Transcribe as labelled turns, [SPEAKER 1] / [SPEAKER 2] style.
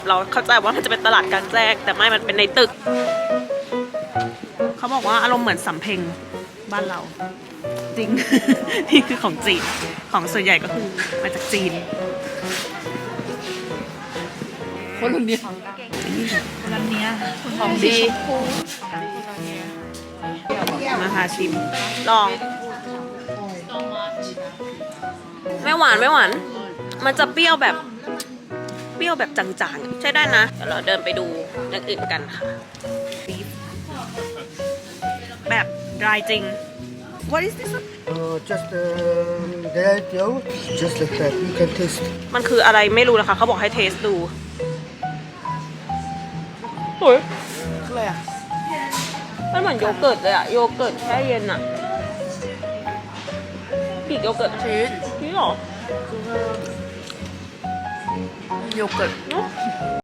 [SPEAKER 1] เราเข้าใจว่ามันจะเป็นตลาดกลางแจ้งแต่ไม่มันเป็นในตึกเขาบอกว่าอารมณ์เหมือนสำเพ็งบ้านเราจริง นี่คือของจีนของส่วนใหญ่ก็คือมาจากจีนคนรุ่นนี้ร้านนี้ของดีมาหาชิมลองไม่หวานไม่หวานมันจะเปรี้ยวแบบจางๆใช่ได้นะเดี๋ยวเราเดินไปดูอย่างอื่นกันค่ะแบบดรายจริง What is this?
[SPEAKER 2] Just dried yogurt, just like that. You can taste.
[SPEAKER 1] มันคืออะไรไม่รู้นะคะเขาบอกให้เทสดูโอ้ยอะไรอ่ะมันเหมือนโยเกิร์ตเลยอ่ะโยเกิร์ตแช่เย็นอ่ะปีกโยเกิร์ตชีสหรอโยเกิร์ต